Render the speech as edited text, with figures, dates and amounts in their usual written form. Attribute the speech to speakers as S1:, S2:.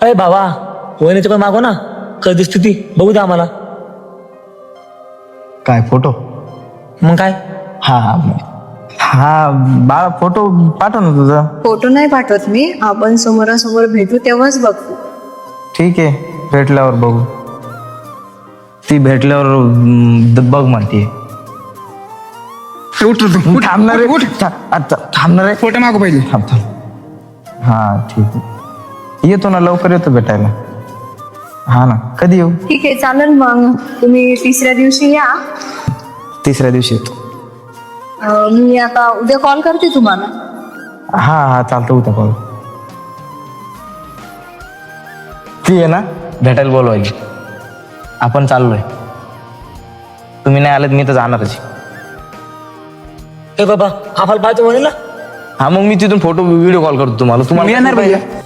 S1: अरे भावा वहिनीचं पण मागव ना, कधी दिसते ती बघू द्या आम्हाला.
S2: काय फोटो?
S1: मग काय?
S2: हा हा हा बाळा फोटो पाठव ना तुझा.
S3: फोटो नाही पाठवत मी, आपण समोरासमोर भेटू तेव्हाच बघू.
S2: ठीक आहे, भेटल्यावर बघू. ती भेटल्यावर बघ म्हणते. थांबणार थांबणार
S4: फोटो मागू पहिले.
S2: हा ठीक आहे, येतो ना, लवकर येतो भेटायला. हा ना, कधी येऊ?
S3: ठीक आहे चालेल, मग तुम्ही तिसऱ्या दिवशी या.
S2: तिसऱ्या दिवशी येतो.
S3: मी आता उद्या कॉल करते तुम्हाला.
S2: हा हा चालतं, उद्या कॉल. ती आहे ना भेटायला बोलवायची. आपण चाललोय, तुम्ही नाही आलात मी तर जाणारच.
S1: ए बाबा आम्हाला पाहिजे वहिनीला.
S2: हा मग मी तिथून फोटो व्हिडिओ कॉल करतो तुम्हाला.
S4: मी येणार भैया.